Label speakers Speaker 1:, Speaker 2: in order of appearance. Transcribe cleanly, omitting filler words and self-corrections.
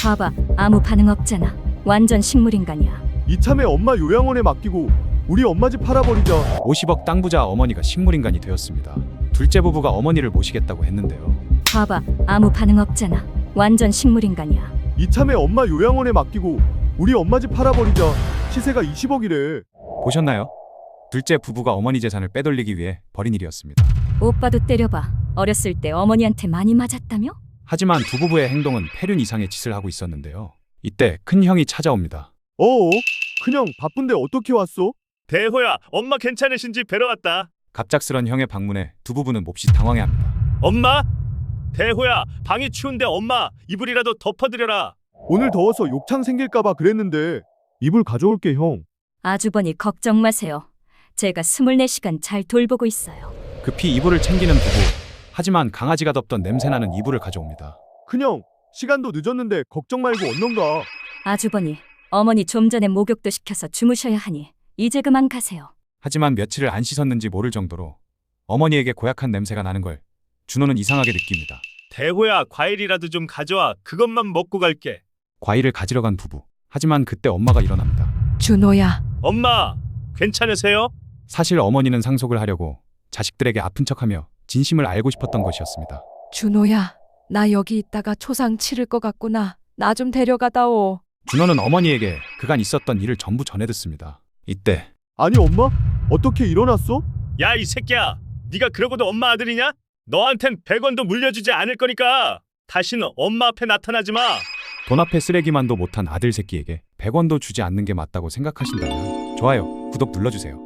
Speaker 1: 봐봐, 아무 반응 없잖아. 완전 식물인간이야.
Speaker 2: 이참에 엄마 요양원에 맡기고 우리 엄마 집 팔아버리자.
Speaker 3: 50억 땅 부자 어머니가 식물인간이 되었습니다. 둘째 부부가 어머니를 모시겠다고 했는데요.
Speaker 1: 봐봐, 아무 반응 없잖아. 완전 식물인간이야.
Speaker 2: 이참에 엄마 요양원에 맡기고 우리 엄마 집 팔아버리자. 시세가 20억이래.
Speaker 3: 보셨나요? 둘째 부부가 어머니 재산을 빼돌리기 위해 벌인 일이었습니다.
Speaker 1: 오빠도 때려봐. 어렸을 때 어머니한테 많이 맞았다며?
Speaker 3: 하지만 두 부부의 행동은 폐륜 이상의 짓을 하고 있었는데요. 이때 큰 형이 찾아옵니다.
Speaker 2: 어어? 그냥 바쁜데 어떻게 왔어?
Speaker 4: 대호야, 엄마 괜찮으신지 뵈러 왔다.
Speaker 3: 갑작스런 형의 방문에 두 부부는 몹시 당황해합니다.
Speaker 4: 엄마? 대호야, 방이 추운데 엄마 이불이라도 덮어드려라.
Speaker 2: 오늘 더워서 욕창 생길까봐 그랬는데 이불 가져올게 형.
Speaker 1: 아주버니 걱정 마세요. 제가 24시간 잘 돌보고 있어요.
Speaker 3: 급히 이불을 챙기는 부부. 하지만 강아지가 덮던 냄새나는 이불을 가져옵니다.
Speaker 2: 그냥 시간도 늦었는데 걱정 말고 얼른 가.
Speaker 1: 아주버니, 어머니 좀 전에 목욕도 시켜서 주무셔야 하니 이제 그만 가세요.
Speaker 3: 하지만 며칠을 안 씻었는지 모를 정도로 어머니에게 고약한 냄새가 나는 걸 준호는 이상하게 느낍니다.
Speaker 4: 대호야, 과일이라도 좀 가져와. 그것만 먹고 갈게.
Speaker 3: 과일을 가지러 간 부부. 하지만 그때 엄마가 일어납니다.
Speaker 5: 준호야,
Speaker 4: 엄마, 괜찮으세요?
Speaker 3: 사실 어머니는 상속을 하려고 자식들에게 아픈 척하며 진심을 알고 싶었던 것이었습니다.
Speaker 5: 준호야, 나 여기 있다가 초상 치를 것 같구나. 나 좀 데려가다오.
Speaker 3: 준호는 어머니에게 그간 있었던 일을 전부 전해 듣습니다. 이때
Speaker 2: 아니 엄마? 어떻게 일어났어?
Speaker 4: 야, 이 새끼야. 네가 그러고도 엄마 아들이냐? 너한텐 100원도 물려주지 않을 거니까 다시는 엄마 앞에 나타나지 마.
Speaker 3: 돈 앞에 쓰레기만도 못한 아들 새끼에게 100원도 주지 않는 게 맞다고 생각하신다면 좋아요, 구독 눌러주세요.